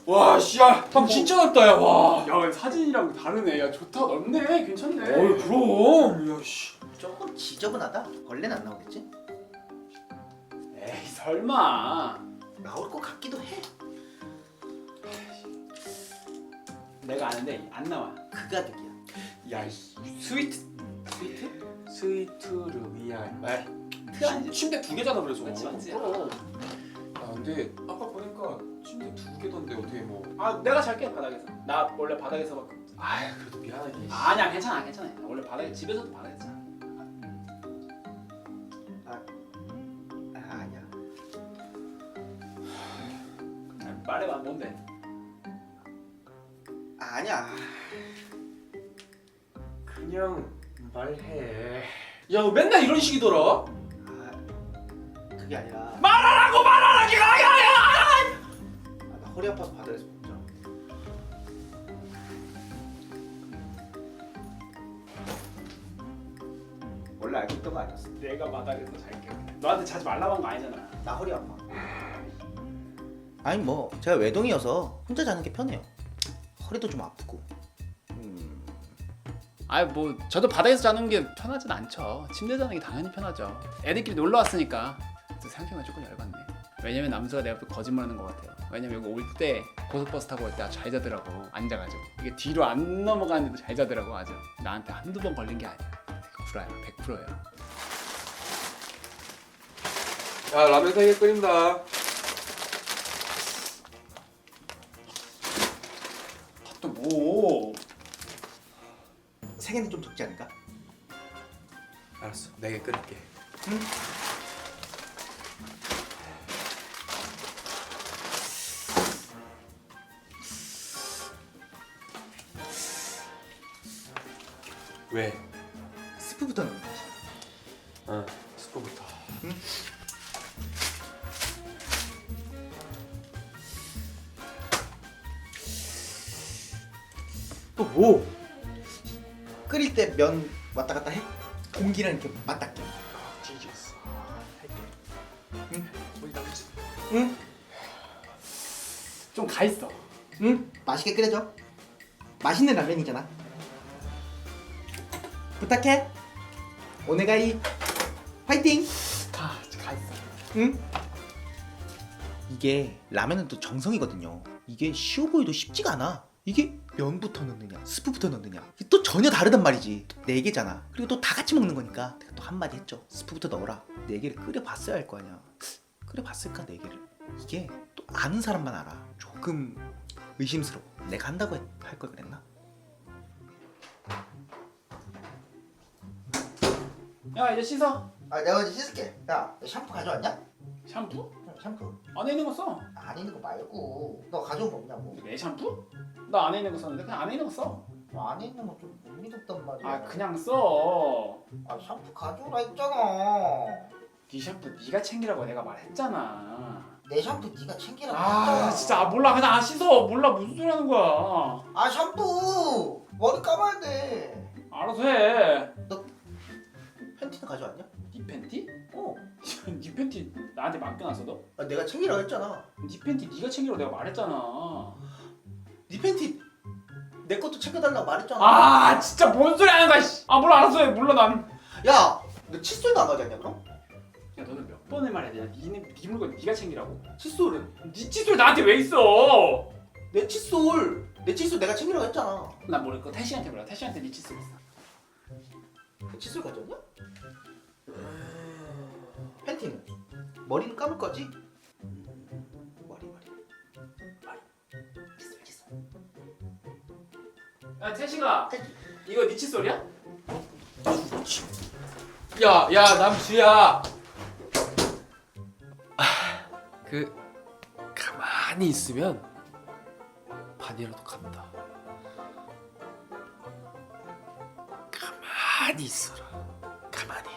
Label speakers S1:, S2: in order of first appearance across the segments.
S1: 와, 씨야, 방 진짜 넓다, 야, 와.
S2: 야 근데 사진이랑 다르네. 야 좋다, 넓네, 괜찮네.
S1: 어이, 그럼. 야, 씨.
S3: 조금 지저분하다. 벌레는 안 나오겠지?
S2: 에이 설마.
S3: 나올 것 같기도 해.
S2: 내가 아는데 안 나와.
S3: 그 가격이야.
S1: 야, 이 스위트 스위트룸이야.
S2: 아니지.
S1: 침대 2개잖아, 그래서.
S2: 맞지, 맞지.
S1: 그럼. 야, 근데 아까 보니까 침대 2개던데 어떻게 뭐?
S2: 아 내가 잘게 바닥에서. 나 원래 바닥에서 막.
S1: 아, 그래도 미안하게.
S2: 아니야 괜찮아 괜찮아. 원래 바닥에 집에서도 바닥에 자.
S3: 아니야.
S2: 말해봐 뭔데?
S3: 아니야.
S1: 그냥 말해. 야, 너 맨날 이런 식이더라.
S3: 아, 그게 아니라.
S1: 말하라고 말하라고.
S3: 나 허리 아파서 바닥에서 못 자. 원래 알고 있던 거 아니었어.
S2: 내가 바닥에서 잘게. 너한테 자지 말라고 한 거 아니잖아.
S3: 나 허리 아파. 아니 뭐 제가 외동이어서 혼자 자는 게 편해요. 허리도 좀 아프고.
S2: 아이 뭐 저도 바닥에서 자는 게 편하진 않죠. 침대 자는 게 당연히 편하죠. 애들끼리 놀러 왔으니까. 생각해보면 조금 열받네. 왜냐면 남수가 내 앞에 거짓말하는 것 같아요. 왜냐면 여기 올 때 고속버스 타고 올 때 아주 잘 자더라고. 앉아가지고 이게 뒤로 안 넘어가는데도 잘 자더라고. 아주 나한테 한두 번 걸린 게 아니야. 구라야, 100%예요.
S1: 야, 라면 3개 끓인다.
S2: 또 뭐?
S3: 세 개는 좀 적지 않을까?
S1: 알았어, 4개 끓일게.
S3: 응?
S1: 왜?
S3: 스프부터 넣는 거지.
S1: 스프부터.
S3: 응? 또 뭐? 끓일 때 면 왔다 갔다 해? 공기랑 이렇게 맞닿게.
S1: 찢었어. 할게.
S3: 응?
S1: 우리 나머지.
S3: 응?
S2: 좀 가 있어.
S3: 응? 맛있게 끓여줘. 맛있는 라면이잖아. 부탁해. 오네가이. 파이팅.
S2: 가 있어.
S3: 응? 이게 라면은 또 정성이거든요. 이게 쉬워 보여도 쉽지가 않아. 이게 면부터 넣느냐 스프부터 넣느냐 이게 또 전혀 다르단 말이지. 또 4개잖아. 그리고 또 다 같이 먹는 거니까 내가 또 한마디 했죠. 스프부터 넣어라. 4개를 끓여봤어야 할 거 아니야. 끓여봤을까 4개를? 이게 또 아는 사람만 알아. 조금 의심스러워. 내가 한다고 할 걸 그랬나?
S2: 야 이제 씻어.
S3: 아 내가 이제 씻을게. 야 샴푸 가져왔냐?
S2: 샴푸?
S3: 샴푸
S2: 안에 있는 거 써.
S3: 안에 있는 거 말고 너 가져온 거 없냐고.
S2: 내 샴푸? 나 안에 있는 거 썼는데 그냥 안에 있는 거 써.
S3: 안에 있는 거 좀 못 믿었단 말이야.
S2: 아 그냥 써.
S3: 아 샴푸 가져오라 했잖아.
S2: 네 샴푸 네가 챙기라고 내가 말했잖아.
S3: 내 샴푸 네가 챙기라고
S2: 아
S3: 했잖아.
S2: 진짜 몰라 그냥 안 씻어. 몰라 무슨 소리 하는 거야.
S3: 아 샴푸 머리 감아야 돼.
S2: 알아서 해.
S3: 팬티는 가져왔냐?
S2: 네 팬티?
S3: 어.
S2: 네 팬티 나한테 맡겨놨어 너?
S3: 아, 내가 챙기라고 했잖아.
S2: 네 팬티 네가 챙기라고 내가 말했잖아.
S3: 네 팬티 내 것도 챙겨달라고 말했잖아.
S2: 아 진짜 뭔 소리 하는 거야. 씨. 아 몰라 알아서 해. 몰라 난.
S3: 야, 너 칫솔도 안 가져왔냐 그럼?
S2: 야 너는 몇 번을 말해야 되냐. 네 물건 네가 챙기라고.
S3: 칫솔은?
S2: 네 칫솔 나한테 왜 있어?
S3: 내 칫솔 내가 챙기라고 했잖아.
S2: 난 모르고 태시한테 물어. 태시한테 네 칫솔 있어.
S3: 내 칫솔 가져왔냐? 팬티는? 머리는 감을 거지? 머리. 칫솔.
S2: 야 태시가 이거 네 칫솔이야?
S1: 야, 남수야. 가만히 있으면 반이라도 간다. 가만히 있어라. 가만히.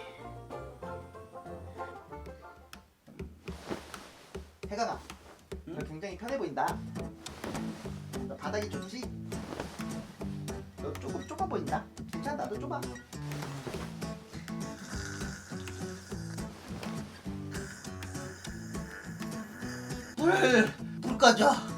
S3: 해가나. 너 굉장히 편해 보인다. 너 바닥이 좋지? 너 조금 좁아 보인다. 괜찮아, 나도 좁아. 불 가져.